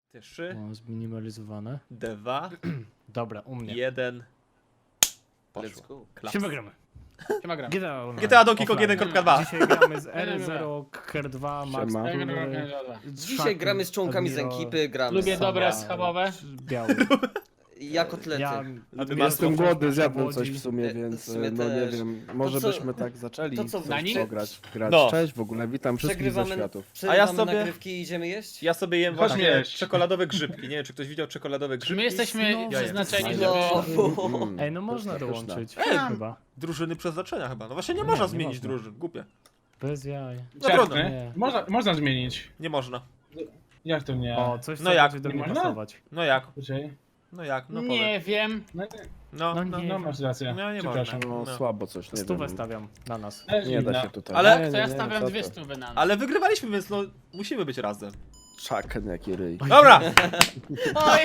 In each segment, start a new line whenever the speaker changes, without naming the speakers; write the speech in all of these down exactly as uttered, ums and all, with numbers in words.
Trzy,
O, zminimalizowane.
dwa,
Dobra, u mnie.
jeden.
Let's
Poszło.
go.
Klaps.
Siema gramy.
Siema gram.
G T A Online.
G T A Donkey Kong
Offline.
jeden kropka dwa.
Dzisiaj gramy z R zero, K R dwa, Max
Siema.
Tury,
Dzisiaj gramy z członkami z
Admiro,
ekipy, gramy
Lubię
z...
dobre
Saba,
schabowe.
Biały.
Ja kotlety.
Ja
Admiro,
Jestem
Saba,
głodny, zjadłem
Łodzi.
coś w sumie,
E,
więc
w sumie
no nie
też.
wiem, może
co-
byśmy tak zaczęli
to co,
coś
na nim?
pograć. Grać.
No.
Cześć w ogóle, witam wszystkich ze
Przegrywamy,
światów.
przerywamy
A ja sobie-
nagrywki i idziemy jeść?
Ja sobie jem
Chodź
właśnie
jeść.
czekoladowe grzybki. Nie wiem, czy ktoś widział czekoladowe
Czy
grzybki.
my jesteśmy
No,
przeznaczeni,
No,
żeby...
Mm.
Ej, no można
Pyszne.
dołączyć.
Ej.
Chyba.
Drużyny przeznaczenia chyba. No właśnie nie
Nie,
można
nie
zmienić
można.
drużyn. Głupie.
Bez jaj.
No trudno.
Nie.
Można, można zmienić.
Nie można.
Jak to nie?
O, coś
No
co
jak?
będzie do
Nie
mnie
można?
pasować.
No jak?
Poczekaj.
No jak? No powiem.
Nie wiem.
No,
No,
No
no.
nie.
no masz rację.
No, nie
Przepraszam.
No
No.
słabo coś, nie
Stówę
wiem.
stawiam na nas.
Też
Nie da
inna.
się tutaj.
Ale-
Nie,
To
nie,
ja
nie,
stawiam
co
dwie
to?
stówy na nas.
Ale wygrywaliśmy, więc no musimy być razem.
Czaken jaki ryj.
Dobra!
Oj!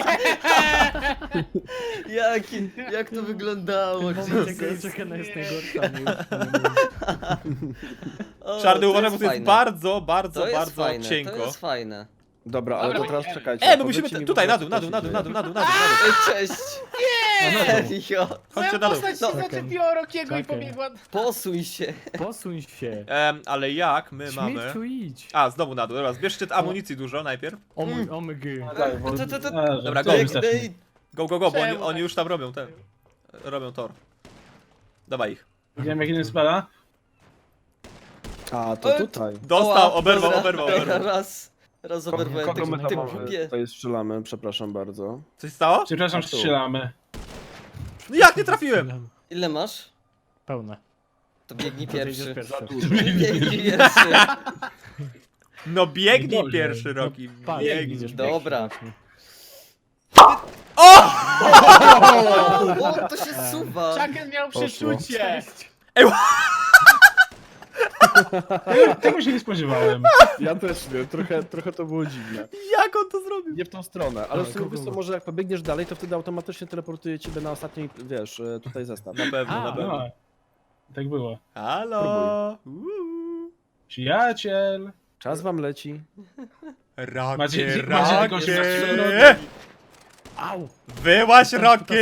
Jaki, jak to wyglądało?
Moment, jak
Jesus.
Czekana jest najgorsza. nie już
O,
Czarny
to
uważaj,
jest
bo to jest
fajne.
bardzo, bardzo,
To jest
bardzo
fajne,
cienko.
to jest fajne.
Dobra, ale to
Dobra,
teraz
idziemy.
czekajcie.
E, bo musimy
powiedzcie
te,
mi
tutaj,
po
na
prostu,
dół, na
co
dół,
się
na dół, na
dzieje.
dół, na dół, na dół, na dół.
Ej, cześć! Serio!
Chodźcie
Moja
na dół.
postać się
Czekaj.
zaczepiła o Rokiego i
Czekaj.
pobiegła...
Posuń się!
Posuń się.
Em, ale jak my mamy...
Śmieciu idź.
A, znowu na dół. Dobra, zbierzcie amunicji dużo najpierw.
O mój, o my gy.
Tak, bo...
To, to, to,
A, że
Dobra,
to
go.
wystarczy.
Biegnij!
Go, go, go, bo oni,
Czemu
oni
tak?
już tam robią ten. Robią tor. Dawaj ich.
Wiem jak jeden spada.
A, to
E,
tutaj.
Dostał,
Ała,
oberwał,
dobra.
oberwał, oberwał.
Raz, raz oberwałem
Kogo my
tego
tam
tym
mamy?
głupie.
Tutaj strzelamy, przepraszam bardzo.
Coś stało?
Przepraszam,
A tu.
strzelamy.
No jak nie trafiłem?
Ile masz?
Pełne.
To biegnij
To jedziesz
pierwszy.
pierwszy.
Biegnij pierwszy.
No biegnij
Dobrze.
pierwszy, Roki.
Patrz,
Biegnij.
widzisz,
Dobra.
właśnie.
O!
O, to się suwa!
Chucken miał
Poszło.
przeczucie! Tego się nie spodziewałem.
Ja też nie, trochę, trochę to było dziwne.
Jak on to zrobił?
Nie w tą stronę, ale w
Ale
sumie
kogo?
wiesz co, może jak pobiegniesz dalej, to wtedy automatycznie teleportuje ciebie na ostatni, wiesz, e, tutaj zestaw.
Na pewno,
A,
na pewno.
No, tak było.
Halo! Uuu.
Przyjaciel!
Czas wam leci.
Rocky,
Macie- macie jakąś
Rocky!
przyczynę?
Au!
Wyłaź, Rocky!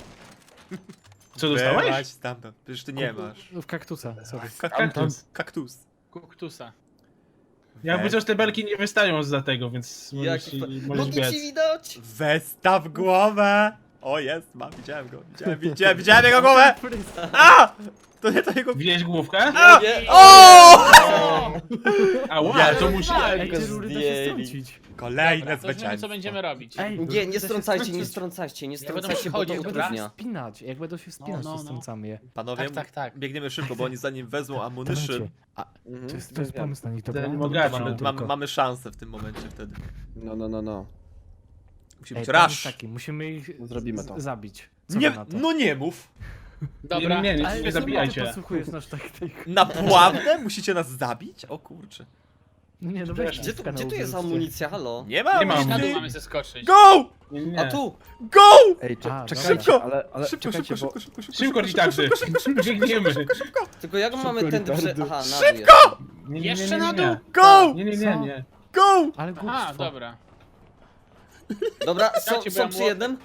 Co dostałeś?
Wyłaź stamtąd. Przecież ty nie masz.
W kaktusa, sorry.
Ka-
Kaktus.
Kaktus.
Kuktusa. Jakby coś te belki nie wystają za tego, więc możesz,
Jaki fa-
możesz
Nogi ci
biec.
widać?
Westaw głowę! O, jest, ma, widziałem go. Widziałem, widziałem, widziałem jego głowę! A! To nie to jego...
Widziałeś główkę?
A!
Nie.
O!
A wow, to musi...
Ej, te rury da się
zdjęli.
strącić.
Kolejne
Dobra, to wiemy co
zwycięstwo.
będziemy robić.
Ej,
Nie,
rury
nie
da się
strącajcie, nie
strącić.
strącajcie, nie
Ja będę
strącajcie, bo to
chodził,
Jak będą się
utrudnia.
wspinać, jak będą się wspinać,
No, no,
to
no.
strącamy je.
Panowie,
Tak, tak, tak.
biegniemy szybko, bo oni zanim wezmą ammunition,
Dawajcie. A,
Mhm,
to jest, to jest
wiem.
pomysł na nich, dobra?
Ten
To
bogaci.
mamy
mamy,
tylko.
mamy, mamy szansę w tym momencie wtedy.
No, no, no, no.
Musi
Ej,
być
plan jest
rush.
taki, musimy ich
Zrobimy
z-
to.
zabić. Co
Nie,
wy na to?
no nie mów.
Dobra,
Ale
nie, nie, nie, nie
czemu ty
zabijajcie.
posłuchujesz nasz taktyk?
Naprawdę? Musicie nas zabić? O kurczę.
No nie, no weź
Gdzie tu, gdzie tu jest amunicja, halo?
Nie ma
Nie ma
amunicji.
amunicji.
Go!
Na dół mamy zeskoczyć.
Go!
Nie, nie.
A tu!
Go!
Ej, cze-
A,
czekajcie,
szybko!
ale, ale
Szybko,
czekajcie,
szybko,
bo...
szybko, szybko,
Szybko, Ritardy! Biegniemy!
Tylko jak mamy
Szybko,
ten prze...
retardy.
Aha, na dół jest.
Nie, nie, nie,
Jeszcze
nie,
na
nie,
dół?
nie.
Go!
Nie, nie,
Co?
nie, nie.
Go!
Ale
Aha,
głupstwo.
dobra.
Dobra, są,
Dajcie, bo
są
ja
przy
mło-
jednym?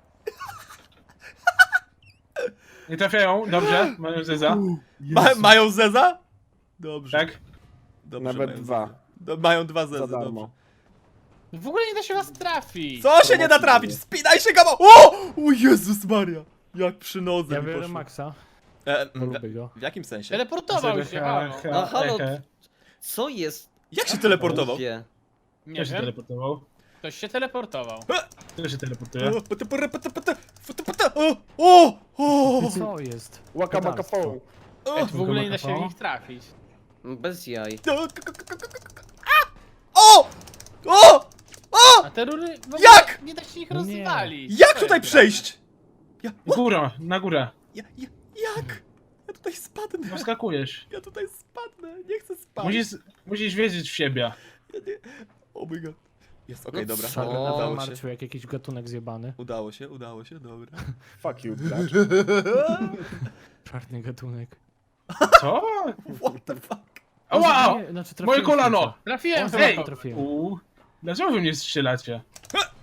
Nie trafiają, dobrze, mają zeza.
Ma, mają zeza? Dobrze.
Tak?
Dobrze,
Nawet
mają
dwa.
zeza. Do, mają dwa zezy,
Za
dobrze.
darmo.
W ogóle nie da się was trafić.
Co się nie da trafić? Spinaj się, gamo! O! O Jezus Maria! Jak przy nodze
Ja
mi
biorę
poszło.
Maxa,
E,
bo
w,
lubię go.
w jakim sensie?
Teleportował się, halo.
A, halo.
Ehe.
Co jest?
Jak się teleportował?
Głupie.
Nie
tak.
Kto się
wiem.
teleportował?
Ktoś się teleportował.
Kto się teleportuje?
O, pata, pata, pata, pata, pata, pata, O! O! O!
Co jest?
Łaka maka
Pedalstwo.
poł.
O!
W ogóle nie da się w nich trafić.
Bez jaj.
O! K- k- k- k- k- k- A! O! O! O!
A te rury w ogóle
Jak?
nie da się ich
Nie.
rozwalić.
Jak
Co
tutaj
jest
przejść? Ja,
Góra, na górę.
ja, ja, jak? Ja tutaj spadnę.
Poskakujesz.
Ja tutaj spadnę. Nie chcę spać.
Musisz, musisz wierzyć w siebie.
Ja nie... Oh my god. Jest, okej,
No
dobra.
co?
Udało się.
Marciu, jak jakiś gatunek zjebany.
Udało się, udało się, dobra.
Fuck you, gracz.
Czarny gatunek.
Co?
What the fuck?
Ała!
Nie, znaczy
Moje
trafiłem
kolano!
w końcu.
Trafiłem,
O,
hej!
chyba trafiłem.
Uuu. Dlaczego wy mnie strzelacie?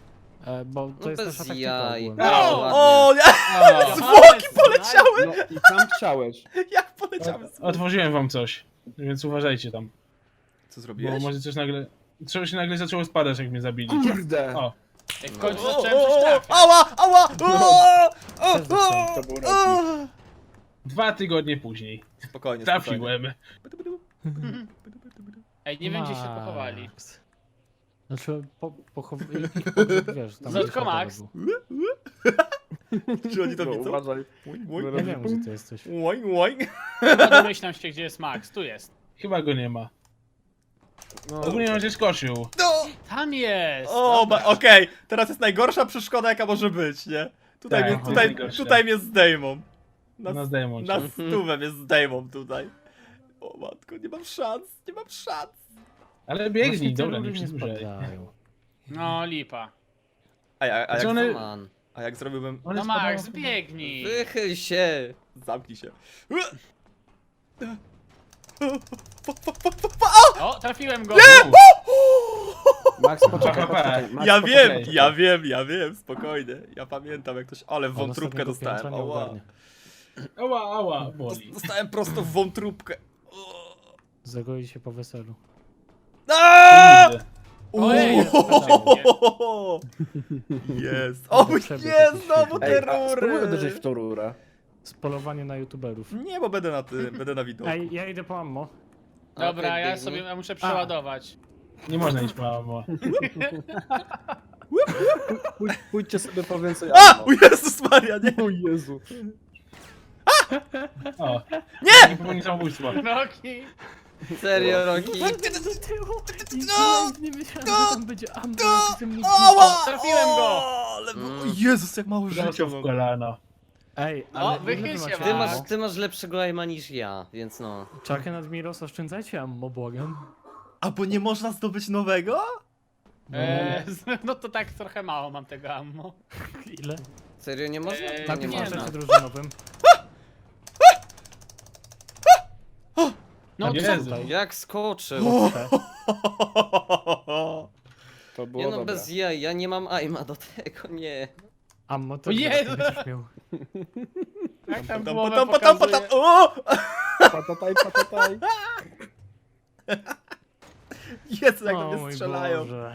E, bo to
No
jest
bez
nasza taktyka
jaj.
ogólnie.
O!
ładnie.
O, nie!
O,
Zwłoki poleciały!
No i tam chciałeś.
Jak poleciały zwłoki?
otworzyłem wam coś, więc uważajcie tam.
Co
Bo
zrobiłeś?
może coś nagle... Coś się nagle zaczęło spadać, jak mnie zabili.
Kurde.
O,
Ej, w końcu
O,
zacząłem
o,
coś
o,
trafiać.
ała, ała! O, o,
Też zacząłem.
To był
o.
dwa tygodnie później.
Spokojnie, spokojnie.
Trafiłem.
Ej, nie wiem gdzie się
Max.
pochowali.
Znaczy, po, pochow... ich pogrzeb, wiesz, tam
Zotko
gdzie szatan
Max.
był.
Czy oni to
No,
widzą?
uważaj.
Łoń,
Ja
łoń,
wiem, gdzie ty jesteś.
łoń, łoń.
Chyba domyślam się gdzie jest Max, tu jest.
Chyba go nie ma.
No,
Ogólnie on się skoczył.
No!
Tam jest!
O,
Dobra.
ba- okej, teraz jest najgorsza przeszkoda jaka może być, nie? Tutaj,
Tak,
mnie,
to
tutaj,
jest najgorsza.
tutaj mnie zdejmą. Na,
Na zdejmą cię.
na stówę mnie zdejmą tutaj. O matko, nie mam szans, nie mam szans.
Ale
Właśnie
biegnij,
te
dobra,
rury
nie
nie
przedłużaj.
spadają.
No lipa.
A, ja, a,
Znaczy
jak,
one-
Man.
a jak zrobiłbym...
One
No Max,
spadają-
biegnij!
Wychyl się.
Zamknij się.
O, trafiłem go!
Max, poczekaj,
H P.
poczekaj. Max,
Ja wiem,
poczekaj.
ja wiem, ja wiem, spokojnie. Ja pamiętam jak ktoś... Ale w
On
wątróbkę
ostatniego piętra
dostałem,
nie
ała.
ogarnia.
Ała, ała, boli.
Dostałem prosto w wątróbkę.
Zagoi się po weselu.
Aaaa!
Kurde.
Ojej,
Uuuu! Jest! O
To przebieg
nie,
jakiś
znowu te
Ej, a spróbuj
rury!
uderzyć w tą rurę.
Spolowanie na youtuberów.
Nie, bo będę na tym, będę na widoku.
Ej, ja idę po ammo.
Dobra,
Okej,
ja
biegnij.
sobie ja muszę przeładować.
Nie można iść mamo.
Pójdź, pójdźcie sobie po więcej
A!
ammo.
O Jezus Maria, nie!
O Jezu.
O,
Nie!
nie popełnij samobójstwa.
Nogi!
Serio, Roki?
No! Nie myślałem, że tam będzie ammo, jak jestem nigdy.
Ała!
Trafiłem go!
O, ale...
Mm.
o Jezus, jak mało życia
Prosto w
mam.
kolano.
Ej,
O,
ale
wychyl
ile wy
się,
macie
Ty
Wow.
masz,
ammo?
ty masz lepszego aima niż ja, więc no.
Czakę nad Miros, oszczędzajcie ammo, błagam.
A bo nie można zdobyć nowego?
Eee, no to tak trochę mało mam tego ammo.
Ile?
Serio, nie można?
Eee,
Na
nie
tym
nie
można.
no.
koncercie drużynowym.
No
Jezu.
co?
Jak skoczył?
To było
Nie no,
dobre.
bez jaj, ja nie mam aima do tego, nie.
Ammo to
O Jezu!
nie będziesz miał.
Jak tam
Tam,
głowę
potam, potam,
pokazuje?
potam. O!
Patataj, patataj.
Jezu, jak do
O
mnie
mój
strzelają.
Boże.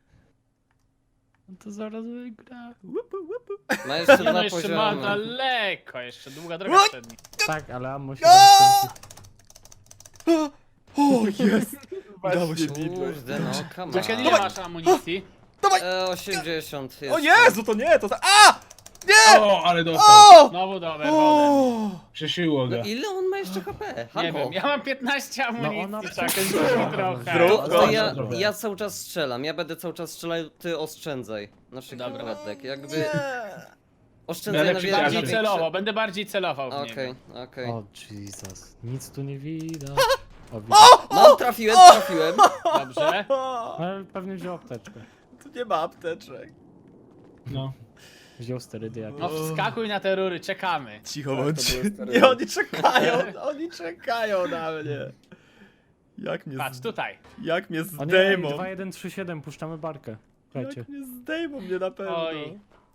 No to zaraz wygra.
Łupu, łupu.
Ma jeszcze
Nie no,
dwa
jeszcze ma
poziomy.
daleko, jeszcze długa droga
Oj!
przed nim.
Tak, ale ammo się
Aaaa!
rozkręci.
O, jest! Udało się.
Kurde no, come
Czekaj,
on.
ile masz amunicji?
E, osiemdziesiąt
O
jeszcze.
Jezu, to nie, to za... A! Nie!
O, ale dostał.
O!
Znowu do overwodę.
O!
Przesiło go.
No ile on ma jeszcze H P?
Nie
Halo.
wiem, ja mam piętnaście
No ona
amunicji, czekaj,
przecież-
zrób mi trochę.
Zrób.
No to ja,
Dobra.
ja cały czas strzelam, ja będę cały czas strzelał, ty oszczędzaj. Na przykład
Dobra.
Radek, jakby
Nie.
oszczędzaj
Ale
na
przyjaciel.
Bardziej
więcej.
celowo, będę bardziej celował w
Okej,
niego.
okej.
O Jesus, nic tu nie widać. O, widać.
No, trafiłem, trafiłem.
Dobrze.
O!
Ale pewnie wziął apteczkę.
Tu nie ma apteczek.
No.
Wziął sterydy jakieś.
No wskakuj na te rury, czekamy.
Cicho
Tak, to
bądźcie.
były stare
Nie, oni czekają, oni czekają na mnie. Jak mnie,
Patrz,
z...
tutaj.
jak mnie
O nie,
zdejmą.
dwa jeden trzy siedem, puszczamy barkę. Słuchajcie.
Jak mnie zdejmą mnie na pewno.
Oj.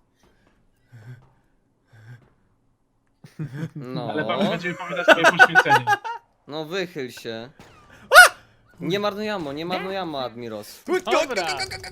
No,
Ale pamięć będziemy pamiętać swoje poświęcenie.
no wychyl się. Nie marnuj ammo, nie marnuj ammo, Admiros.
Dobra.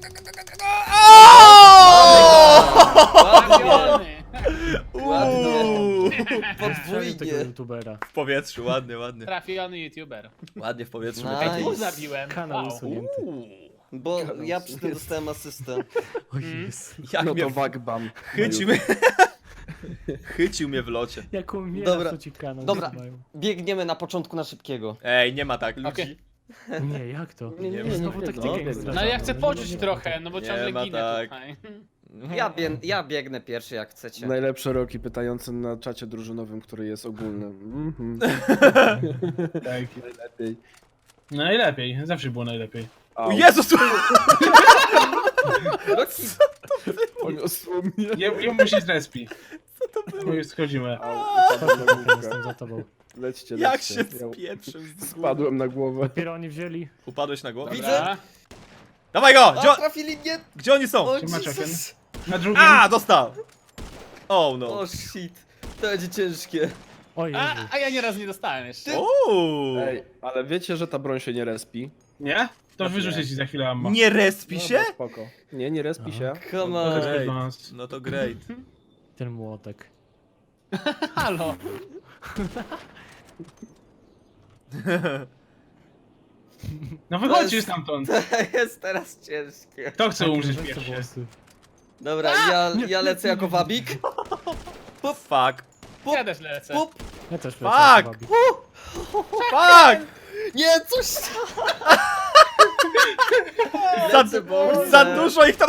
Ładnie,
Trafiony.
Uuu.
Strzelił tego
podwójnie.
youtubera.
W powietrzu, ładnie, ładnie.
Trafiony youtuber.
Ładnie w powietrzu.
Nice.
wypadło.
Tu zabiłem.
Kanał
Wow.
usunięty.
Uuu.
Bo ja przy tym dostałem asystę.
O Jezu.
Jak
No
mnie
to wagbam.
chycił mnie. Chycił mnie w locie.
Jak umiera,
Dobra.
to ci kanał
Dobra.
usuwają.
Biegniemy na początku na szybkiego.
Ej, nie ma tak ludzi.
Okej.
Nie, jak to?
Nie, nie,
nie,
Znowu
nie,
taktykę
no,
nie
nie,
zdradzamy.
No ale ja chcę
No,
poczuć
nie, nie,
trochę, no bo
Nie
ciągle
ma
ginę
tak.
tutaj.
Ja, bieg, ja biegnę pierwszy jak chcecie.
Najlepsze roki pytający na czacie drużynowym, który jest ogólny. Mhm.
Tak.
Najlepiej.
Najlepiej, zawsze było najlepiej.
O Jezus!
Roki,
Poniosło mnie.
Nie, nie musi z respi. Co to było? My już schodzimy.
Au, upadłem na główkę.
Jestem za tobą.
Lećcie,
Jak
lećcie.
się
Ja
spieprzył z góry.
spadłem na głowę.
Dopiero oni wzięli.
Upadłeś na głowę?
Widzę.
Dobra.
Dawaj go! Gdzie,
a
on-
trafili mnie!
gdzie oni są?
O
Siema,
Jezus!
Na drugim.
A, dostał! Oh no.
O shit, to będzie ciężkie.
O Jezu.
A, a ja nieraz nie dostałem jeszcze.
Uuu.
Ej, ale wiecie, że ta broń się nie respi?
Nie? To wyrzucę ci za chwilę ammo.
Nie respi się?
Dobra, spoko. Nie, nie respi się.
Come
To
on.
jest
Great.
do nas.
No to great.
Ten młotek.
Halo.
No
To
wychodźcie
jest-
stamtąd.
To jest teraz ciężkie.
Kto chce umrzeć
Weź te
pierwszy?
włosy.
Dobra, ja, ja lecę jako wabik.
Fuck.
Ja też lecę.
Pup.
Ja też
Fuck!
lecę wabik.
Fuck!
Nie, coś...
Za,
Lecę, bo-
za dużo ich tam...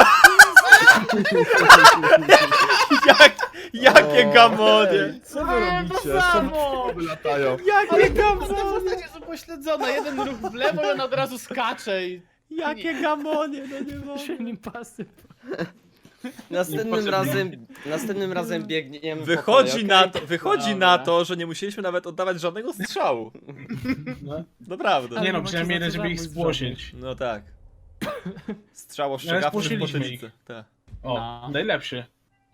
Jak, jakie gamonie!
Ej, co wy robicie?
samo!
Co wy latają?
Jakie
Te
gamonie!
postacie są pośledzone. Jeden ruch w lewo i on od razu skacze i...
Jakie gamonie, no nie
Się
mogę.
nim pasy.
Następnym
Niepotrzebnie.
razem, następnym razem biegniemy po
Wychodzi
kolei,
na
okej?
to, wychodzi
Dobra.
na to, że nie musieliśmy nawet oddawać żadnego strzału.
No.
Naprawdę.
Nie no,
macie
przynajmniej
za
jeden,
to
żeby ich
zabójstw
spłosić.
No tak. Strzał
Ale
ostrzegawczy w
spłoszyliśmy
potylicę.
ich.
Tak.
O,
No.
najlepszy.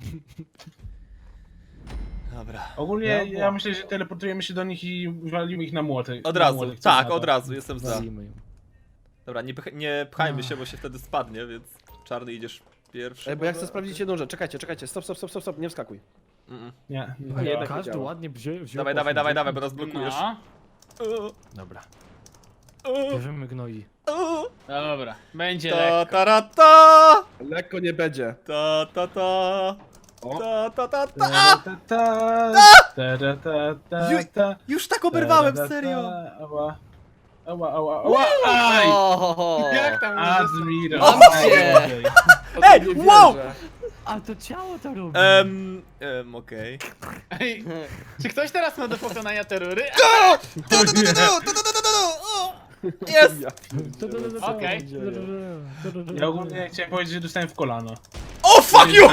Dobra.
Ogólnie
No,
ja
bo-
myślę, że teleportujemy się do nich i walimy ich na młotek.
Od
na
razu,
młotek, co
tak,
na
od
to.
razu, jestem za.
Walimy ją.
Dobra, nie, pch nie pchajmy się, bo się wtedy spadnie, więc czarny idziesz pierwszy.
Ej, bo ja chcę sprawdzić jedną rzecz. Czekajcie, czekajcie. Stop, stop, stop, stop, stop. Nie wskakuj.
Mm.
Nie.
A jednak
Każdy
działa.
ładnie wziął. wziął
Dawaj,
po
dawaj, dawaj,
fundzie.
dawaj, bo nas blokujesz.
No.
Dobra.
Uh,
Bierzemy gnoi.
uh.
Dobra, będzie
Ta,
lekko.
ta, ra, ta,
Lekko nie będzie.
ta, ta, ta,
O.
ta, ta, ta, ta.
Ta, ta, ta, ta, ta, ta, ta,
Ju-
ta.
Już tak oberwałem,
Ta, ta, ta,
serio.
Ała. Ała, ała, ała. Aj!
O,
Jak tam
Admiro.
Mam cię.
Ej,
Nie
wow!
wierzę.
A to ciało to robi.
Em, em, okej.
Ej, czy ktoś teraz ma do pokonania te rury?
Jest!
Ja
To, to, to, to, to,
Okej.
to, to, to, to, to,
Ja ogólnie chciałem powiedzieć, że dostałem w kolano.
O, fuck you!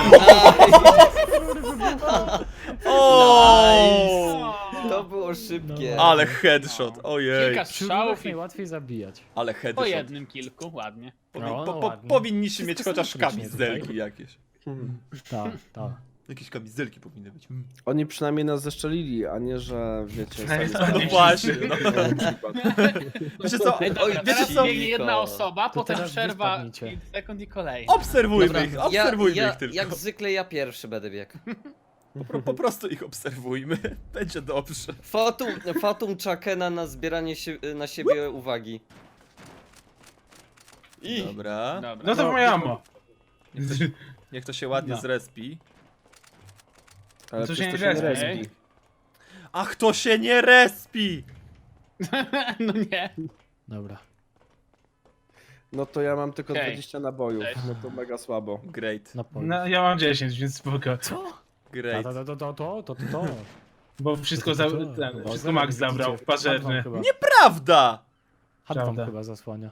O!
To było szybkie.
Ale headshot,
Kilka
ojej.
Wśród
strzałów
nas
i
najłatwiej zabijać.
Ale
po
headshot.
jednym kilku, ładnie.
Powi
No,
po
no
po
ładnie.
powinniśmy mieć
Wszystko
chociaż
symetrycznie
kamizelki
tutaj.
jakieś.
Tak, tak.
Jakieś kamizelki powinny być.
Oni przynajmniej nas zeszczelili, a nie, że wiecie...
Przynajmniej
sami-
No
Nie
właśnie, no.
Na przykład.
Wiecie co?
Ej, dobra,
Oj,
teraz
wiecie co?
biegnie jedna osoba, potem
teraz
przerwa
wypadnijcie.
i sekund i kolejny.
Obserwujmy
Dobra,
ich,
ja,
obserwujmy
ja,
ich tylko.
jak zwykle ja pierwszy będę biegł.
Po, po prostu ich obserwujmy. Będzie dobrze.
Fatum, fatum Chakena na zbieranie się, na siebie uwagi. I
Dobra.
Dobra.
No to moje ammo.
Niech to się ładnie
No.
zrespi.
Ale
To się
przecież
nie
to
respi.
respi.
Ach, to się nie respi!
No nie.
Dobra.
No to ja mam tylko
Okej.
dwadzieścia nabojów.
Cześć.
No to mega słabo.
Great,
Na polu.
No, ja mam dziesięć, więc spoko.
Co?
great.
To, to, to, to, to, to, to, to.
Bo wszystko, za, ten, wszystko Max zabrał, pażerny.
Nieprawda!
Hadwam
Prawda.
chyba zasłania.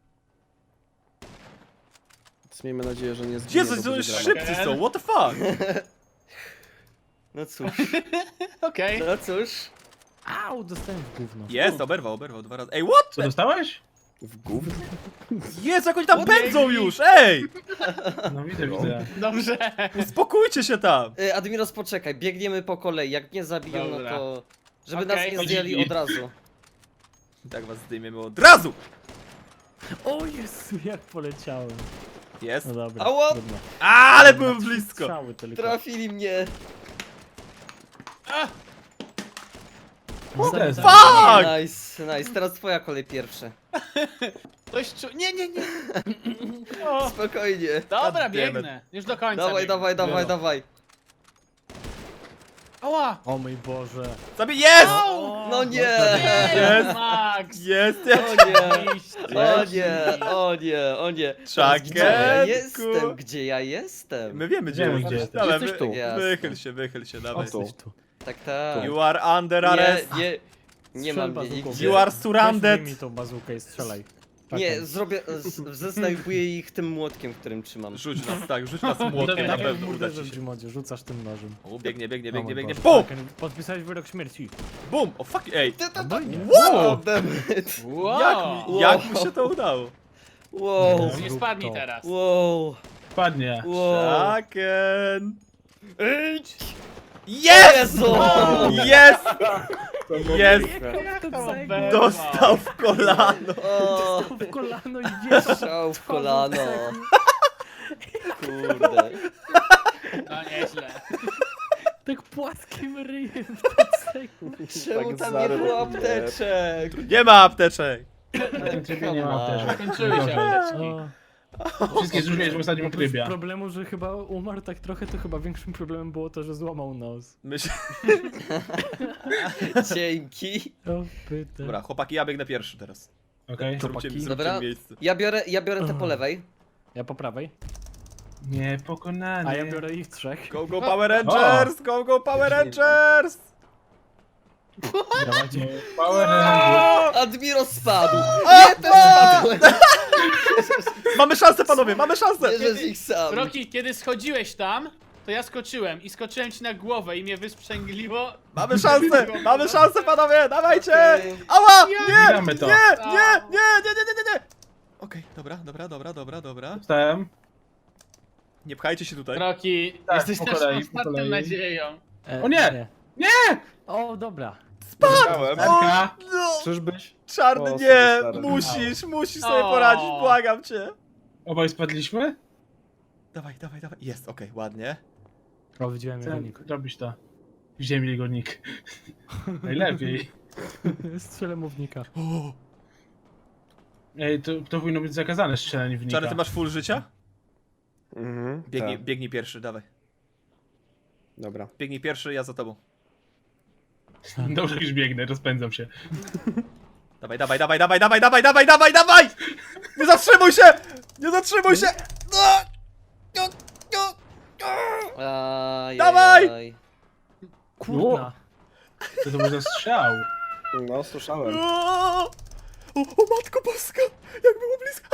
Więc miejmy nadzieję, że nie zginie,
Jezus,
bo
to
będzie
już
dramat.
szybcy są, what the fuck?
no cóż,
Okej.
no cóż.
Au, dostałem w gówno.
Jest, oberwał, oberwał dwa razy. Ej, what?
Co dostałeś?
W gówno?
Jezu, jak oni tam
Podbiegli.
pędzą już, ej!
No widzę, widzę.
Dobrze.
Uspokójcie się tam!
Y, Admiros, poczekaj, biegniemy po kolei. Jak nie zabiją, no
Dobra.
to... Żeby
Okej.
nas nie zdjęli od razu.
Tak was zdejmiemy od razu!
O Jezu, jak poleciałem.
Jest.
No dobra.
Ała!
trudno.
Ale byłem blisko!
Strzały tylko.
Trafili mnie.
O, też.
Fuck!
Nice, nice. Teraz twoja kolej pierwsza.
Ktoś czu... Nie, nie, nie.
Spokojnie.
Dobra,
damn it.
biegnę. Już do końca
Dawaj,
biegnę.
dawaj, dawaj,
Wielo.
dawaj.
Ała!
O mój Boże.
Zabij, jest!
No nie!
Jest.
Max!
Jest!
O nie!
Iść.
O nie, o nie, o nie. Teraz Gdzie ja
Czakietku.
jestem? Gdzie ja jestem?
My wiemy, gdzie
Wiemy,
jesteś.
gdzie jesteś.
Dobra,
Jesteś
wy-
tu.
Jasne.
Wychyl się, wychyl się, dawaj.
O tu.
Jesteś tu.
Tak, tak.
You are under arrest.
Nie, nie, nie
Strzel
mam mnie
bazooką.
nigdzie.
You are
Weź
surrounded.
mi tą bazookę i strzelaj. Tak,
Nie,
tak.
zrobię, z- zesnajpuję ich tym młotkiem, którym trzymam.
Rzuć nas, tak, rzuć nas młotkiem, na
Tak jak
pewno
w
uda
murderze
ci
w
się.
Gmodzie, rzucasz tym nożem.
O, biegnie, biegnie,
O
biegnie,
mój
biegnie.
Boże.
BUM!
Tak, Podpisałeś wyrok śmierci.
BUM! O fuck, ej!
Albo nie.
Wow!
damn it.
Wow!
Jak, mi- jak mu się to udało?
Wow,
Nie spadnij teraz.
wow.
spadnie.
Wow.
Chaken!
Idź!
Jest!
Jezu!
Jest! Jest!
Dostał
Dostał w kolano!
O,
w kolano i wiesz.
strzał w kolano. Kurde.
No nieźle.
Tak płaskim ryjem w plecaku.
Czemu
Tak
tam nie
zarył.
było apteczek?
Nie ma apteczek!
Na tym trybie nie ma apteczek.
Kończyły się apteczki.
O,
Wszystkie zużyłeś w ostatnim
oprócz
trybie.
problemu, że chyba umarł tak trochę, to chyba większym problemem było to, że złamał nos.
Myśl...
Dzięki.
O, pyta.
Dobra, chłopaki, ja biegnę pierwszy teraz.
Okej.
Zróbcie,
Chłopaki.
zróbcie
Dobra.
miejsce.
Ja biorę, ja biorę te po lewej.
Ja po prawej,
Niepokonany.
a ja biorę ich trzech.
Go, go Power Rangers! Go, go Power Rangers!
Dawajcie.
Power Ranger.
Admiro spadł. Nie, też spadłem.
Mamy szansę, panowie, mamy szansę!
Bierze z ich sam.
Roki, kiedy schodziłeś tam, to ja skoczyłem i skoczyłem ci na głowę i mnie wysprzęgliło.
Mamy szansę! Mamy szansę, panowie! Dawajcie!
Okej.
Ała! Nie!
Gramy to.
Nie! Nie! Nie! Nie! Nie! Nie! Nie! Nie! Okej, dobra, dobra, dobra, dobra, dobra.
Wstałem.
Nie pchajcie się tutaj.
Roki,
Tak,
jesteś
po
naszą
kolei, po
ostatnią
kolei.
nadzieją.
E,
O nie! Nie!
O, dobra.
Erka.
No!
Czyżbyś?
Czarny,
O,
nie!
sorry, stary.
Musisz, musisz sobie
O.
poradzić, błagam cię!
Obaj spadliśmy?
Dawaj, dawaj, dawaj. Jest, okej, ładnie.
O, widziałem jego
Chcę
nick.
robić to. Widziałem jego nick. Najlepiej.
Strzelę mównika.
O.
Ej, to, to powinno być zakazane strzelanie w nika.
Czarny, ty masz full życia?
Mhm.
Biegnij,
tak.
biegnij pierwszy, dawaj.
Dobra.
Biegnij pierwszy, ja za tobą.
Dobrze, już biegnę, rozpędzam się.
Dawaj, dawaj, dawaj, dawaj, dawaj, dawaj, dawaj, dawaj, dawaj! Nie zatrzymuj się! Nie zatrzymuj się! No! No! No! No!
Ajajaj.
Dawaj!
Kurna.
Co to był za strzał?
No, słyszałem.
O, o, o matko boska! Jak było blisko!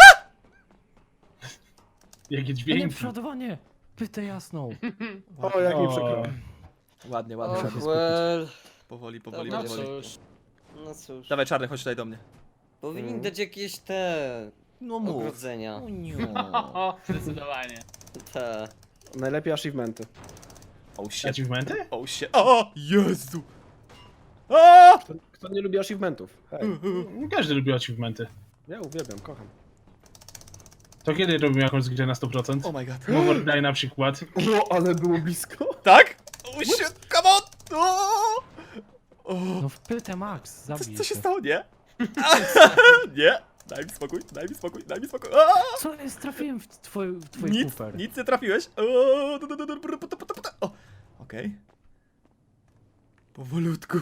Jakie
A nie,
dźwięki.
przodowanie. Pytę jasną.
O, jak mi
O.
przykro.
Ładnie,
O,
ładnie.
Trzeba się
well.
Powoli, powoli,
Dobra,
No
powoli.
cóż.
No cóż.
Dawaj, Czarny, chodź tutaj do mnie.
Powinni dać jakieś te
No
ogrodzenia.
O, zdecydowanie.
Te.
Najlepiej achievementy.
Oh shit.
Achievementy?
Oh shit. O! Jezu! O!
Kto, kto nie lubi achievementów? Hej,
Każdy lubi achievementy.
ja uwielbiam, kocham.
To kiedy robimy jakąś grę na sto procent?
Oh my god.
Overday na przykład.
O, ale było blisko.
Tak? Oh shit, come on! O! O!
No w pytę Max,
Co,
zabij
co się stało? Nie? Nie! Daj mi spokój, daj mi spokój, daj mi spokój. O!
Co jest? Trafiłem w twój, w twój
Nic,
kufer.
nic nie trafiłeś. O! du- du- du- du- du- du- du- du- du- O! Okej. Powolutku.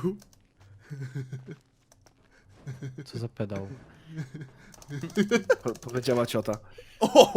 Co za pedał.
Po, powiedziała ciota.
O!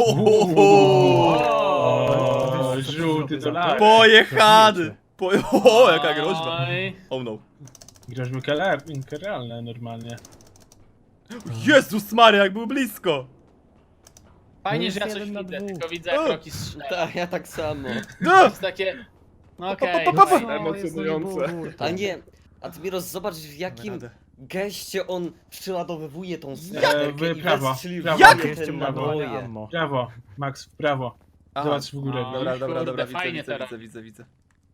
O, żółty to lak.
Pojechany! Po... O, jaka groźba.
Oj.
Oh no.
Groźby realne normalnie.
Jezus Maria, jak był blisko!
Fajnie,
No
że ja
jest
coś
jeden na
widzę,
dwóch.
tylko widzę jak
O.
Roki strzela.
Tak, ja tak samo.
No!
To jest takie... No okej.
Pa, pa, pa, pa.
fajnie.
Emocjonujące.
A nie, Admiros, zobacz w jakim
radę.
geście on przeładowywuje tą
E,
snajperkę
w
i
prawo,
wystrzeliwuje
prawo.
Jak?
te
Ładowanie
naboje.
ammo.
Prawo, Max, w prawo.
Aha.
Zobacz w górę.
A.
Dobra, dobra,
Kurde,
dobra, widzę,
fajnie
widzę,
teraz.
widzę, widzę, widzę.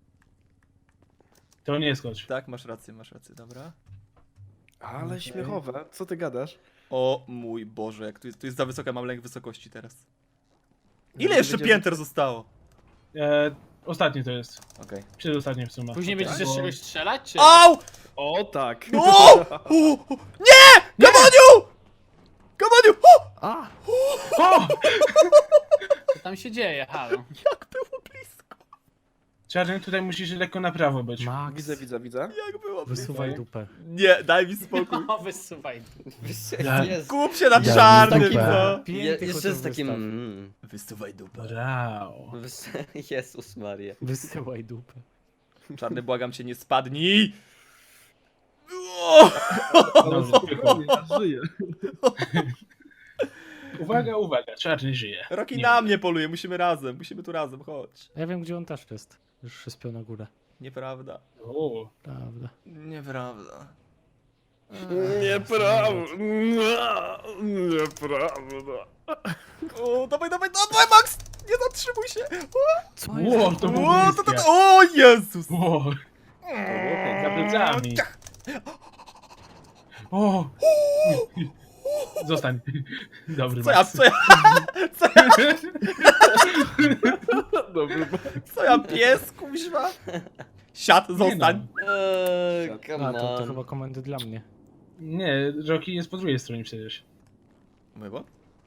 To nie skocz.
Tak, masz rację, masz rację, dobra.
Ale śmiechowe, co ty gadasz?
O mój Boże, jak tu jest, tu jest za wysoka, mam lęk wysokości teraz. Ile
Zaraz
jeszcze
będzie-
pięter zostało?
E, ostatnie to jest.
Okej.
Przedostatnie w sumie.
Później będziesz z czegoś strzelać, czy?
Au!
O, tak.
No! O! O! Nie! Gamoniu! Gamoniu! O!
A!
O!
Co tam się dzieje, halo?
Jak było blisko!
Czarny, tutaj musisz lekko na prawo być.
Max,
Widzę, widzę, widzę.
Jak było blisko!
wysuwaj dupę.
Nie, daj mi spokój.
O, wysuwaj.
Ja-
Jest.
Kup się na
Ja
czarnym,
taki-
co?
Je,
Piękny
jeszcze
chociaż
z takim...
wystaw.
Mm,
Wysuwaj dupę.
Brał.
wys- Jezus Maria.
Wysyłaj dupę.
Czarny, błagam cię, nie spadnij! O!
Dobrze,
Spokojnie, ja żyję.
Uwaga, uwaga, czarny żyje.
Roki
Nie.
na mnie poluje, musimy razem, musimy tu razem, chodź.
Ja wiem, gdzie on też jest. Już się spiął na górę.
Nieprawda.
O,
Prawda.
Nieprawda.
Nieprawda. Nieprawda.
O, dawaj, dawaj, dawaj, Max! Nie zatrzymuj się!
Co
Ło, to było
O, to, to,
bliskie.
to, o Jezus!
Ło, za plecami. O! Zostań. Dobry
Co ja,
Max.
co ja, co ja,
Dobry.
co ja pies, kuźwa? Siad, zostań.
Eee, come
A, to, to
on.
chyba komendy dla mnie.
Nie, Rocky jest po drugiej stronie przecież.
Mój bo?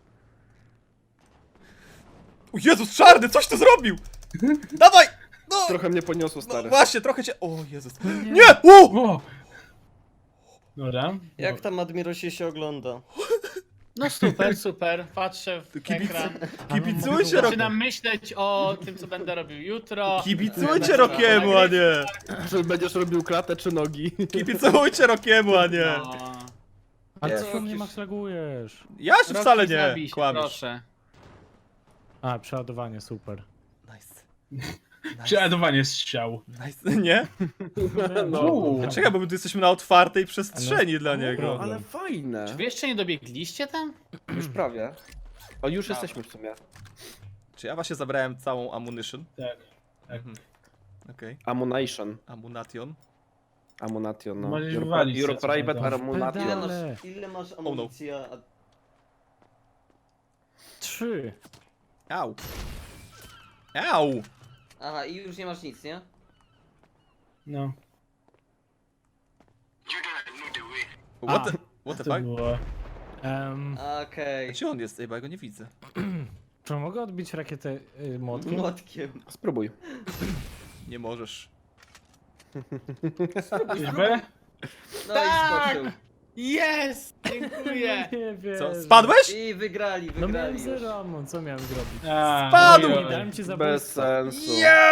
O Jezus, czarny, coś ty zrobił! Dawaj! No,
Trochę mnie poniosło,
no
stary.
właśnie, trochę cię... O Jezus. Nie! U!
O! Dobra.
Jak tam Admirosie się ogląda?
No super, super. Patrzę w
Kibic-
ekran.
Kibicujcie Rocky.
Zaczynam myśleć o tym, co będę robił jutro.
Kibicujcie Rockiemu, a nie!
Czy będziesz robił klatę czy nogi?
Kibicujcie Rockiemu, a nie!
No.
A
Jest.
co mnie Max lagujesz?
Ja się wcale
Rocky,
nie,
zabij się,
kłamiesz.
proszę.
A, przeładowanie, super.
Nice.
Przeładowanie strzał.
Nice, nie?
No.
Uuu.
Czekaj, bo my tu jesteśmy na otwartej przestrzeni dla niego.
Dobra.
Ale fajne.
Czy wy jeszcze nie dobiegliście tam?
Już prawie. O, już jesteśmy w sumie.
Czy ja właśnie zabrałem całą ammunition?
Tak.
Mhm. Okej.
Ammunition.
Ammunation.
Ammunation, no.
Możesz
Your,
wywalić
your
co-
private
co-
ammunition.
Ile
Ale.
masz, ile masz amunicji? a-
Trzy.
Au. Au!
Aha, i już nie masz nic, nie?
No.
What
A.
the, what the
To
fuck?
było.
Um,
Okej.
Gdzie on jest? Ej, bo ja go nie widzę.
czy mogę odbić rakietę y, młotkiem?
Młotkiem.
Spróbuj.
Nie możesz.
Czyżby?
No
Tak!
i skoczył.
Jest! Dziękuję.
Nie wiem.
Co? Spadłeś?
I wygrali,
No miałem
wygrali już.
zero ammo, co miałem zrobić?
A,
Spadł!
ojoj.
Dałem ci
Bez
zabójstwo.
sensu.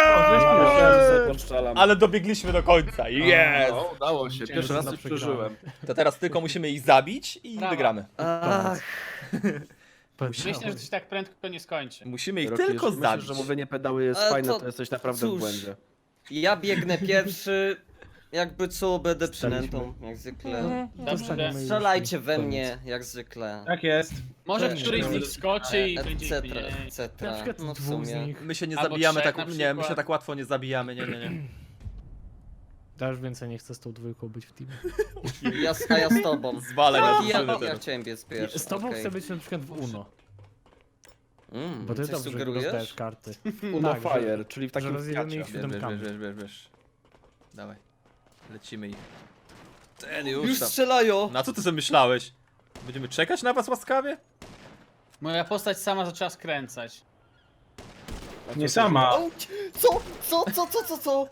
Yeah! Ale dobiegliśmy do końca. Yes!
No, udało się. Pierwszy
że
raz
za
coś
przegrałem.
przeżyłem.
To teraz tylko musimy ich zabić i
Brawa.
wygramy.
Ach,
Myślę, że to się tak prędko nie skończy.
Musimy ich
Rocky,
tylko
jeśli
zabić.
myślisz, że mówienie pedały jest
Ale
fajne,
to-
to jesteś naprawdę
cóż.
w błędzie.
ja biegnę pierwszy. Jakby co, będę
Staliśmy.
przynętą, jak zwykle.
Dobrze.
Dostaniemy już
Strzelajcie we
koniec.
mnie, jak zwykle.
Tak jest.
Może
Cześć.
któryś z nich skoczy i
E,
będzie
etc,
mniej.
Na
etc.
przykład
No w
dwóch z
sumie.
nich.
My się nie
Albo
zabijamy
trzech
tak,
na
nie, my się
przykład.
tak łatwo nie zabijamy, nie, nie, nie.
Ja już więcej nie chcę z tą dwójką być w teamie.
Ja, s- a ja z tobą.
Zwalaj na
Ja,
drużynę
ja
teraz.
chciałem biec pierwszy.
Z tobą
okej.
chcę być na przykład w Uno.
Mm,
Bo ty
coś
dobrze
sugerujesz?
rozdajesz karty.
Uno
Tak, że-
Fire, czyli w
że
takim
rozjedziemy
kwiacie.
ich
Wiesz, wiesz,
siódemkami.
wiesz, wiesz, wiesz. Dawaj. Lecimy ich. Ten już
Już
tam.
strzelają!
Na co ty sobie myślałeś? Będziemy czekać na was łaskawie?
Moja postać sama zaczęła skręcać.
Nie sama.
Auć! Co? Co? Co? Co? Co? Co?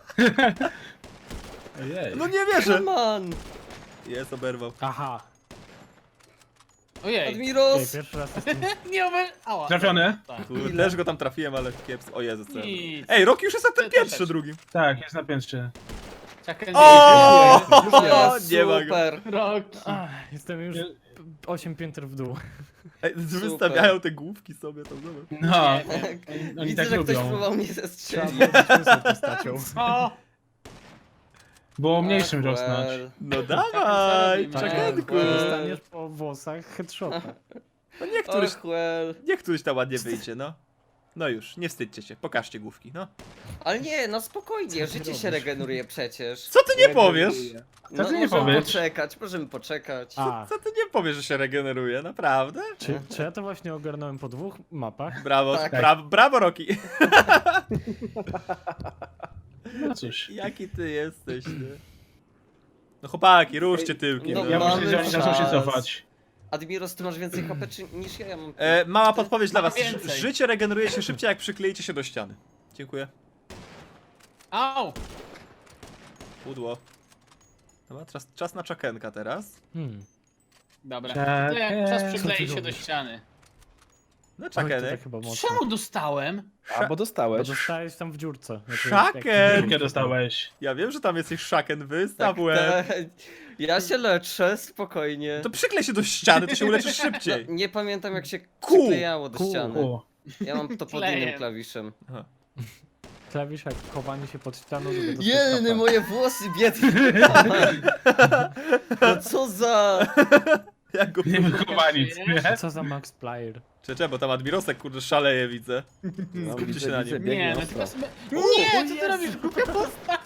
Ojej.
No nie wierzę!
Come on!
Jest, oberwał.
Aha.
Ojej.
Ej,
Admiros!
pierwszy raz jestem...
Nie over... Ała.
Trafiony?
Tak.
Kurde, też go tam trafiłem, ale kiepsko. O Jezus, co ja-
Nic.
Ej, Rocky już jest na tym
Ty-
piętrze
troszeczkę.
drugim.
Tak, jest na piętrze.
Czekaj,
O!
O,
Nie ma go.
super!
Roki.
Ach, jestem już osiem pięter w dół.
Ej, wystawiają te główki sobie tam, zobacz.
No.
Nie wiem.
Oni
Widzę,
tak
że ktoś
lubią.
próbował mnie
Trzeba
zestrzelić.
być tą postacią.
O!
Było mniejszym
Ach,
rosnąć.
well.
No dawaj,
Tak,
czekanku.
well.
Dostaniesz po włosach headshota.
No niech któryś,
Och, well.
niech któryś tam ładnie wyjdzie, no. No już, nie wstydźcie się, pokażcie główki, no.
Ale nie, no spokojnie,
ty
życie się
robisz?
regeneruje przecież.
Co ty nie powiesz?
No,
Co ty nie
możemy
powiesz?
poczekać, możemy poczekać.
A,
Co ty nie powiesz, że się regeneruje, naprawdę?
czy, czy ja to właśnie ogarnąłem po dwóch mapach?
Brawo,
Tak.
bra brawo Rocky.
No cóż.
Jaki ty jesteś, nie? No chłopaki, ruszcie tyłki,
No,
no.
Ja
Mamy
myślę, że oni zaczną się
czas.
cofać.
Admiros, ty masz więcej H P czy, niż ja, ja mam...
E, mała podpowiedź dla
Mam
was. Ży-
więcej.
Życie regeneruje się szybciej, jak przykleicie się do ściany. Dziękuję.
Au!
Pudło. Dobra, czas, czas na czakenka teraz.
Hmm.
Dobra.
Czekaj.
To jak czas
Co
przyklei
ty
się do
robisz?
ściany.
No
Oj, to
czakenek.
tak chyba mocno.
Czemu dostałem?
A, bo
Bo
dostałeś.
dostałeś tam w dziurce. Znaczy,
Szaken!
Jakie dostałeś?
Ja wiem, że tam jesteś szaken, wystaw
Tak,
łeb.
tak. Ja się leczę, spokojnie.
To przyklej się do ściany, to się uleczysz szybciej.
No, nie pamiętam jak się
Ku.
przyklejało do
Ku.
ściany.
U.
Ja mam to pod
Klejem.
innym klawiszem.
Aha.
Klawisz jak chowanie się pod ścianą, żeby dostać
Jeny,
K P.
moje włosy, biedne. No co za...
Jak go
Nie wychowaniec, nie?
Co za Max Player?
Czy, czy, bo tam Admirosek, kurde, szaleje, widzę.
No,
Skupcie
widzę,
się na
widzę,
nim.
biegnie
Nie, no
ostro.
tylko... Nie, co ty robisz? Głupia postać!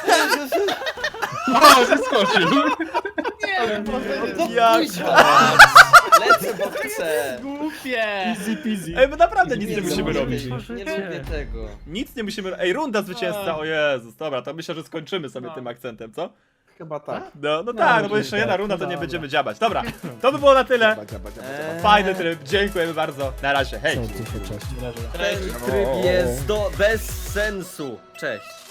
O, zeskoczył!
Nie, po prostu
Jak?
Kuźwa! Lecę, bo chcę!
głupie!
Easy peasy.
Ej, my naprawdę nic nie
Nie
musimy
lubię
robić.
tego, Nie lubię tego.
Nic nie musimy... Ej, runda zwycięzca, o Jezus, dobra, to myślę, że skończymy sobie
No.
tym akcentem, co?
Chyba tak.
No, no tak, no bo jeszcze jedna runda, to nie
Dobra.
będziemy dziabać. Dobra, to by było na tyle.
Dziaba, dziaba, dziaba,
Eee.
dziaba.
Fajny tryb, dziękujemy bardzo. Na razie, hej.
Cześć.
Ten tryb jest do, bez sensu. Cześć.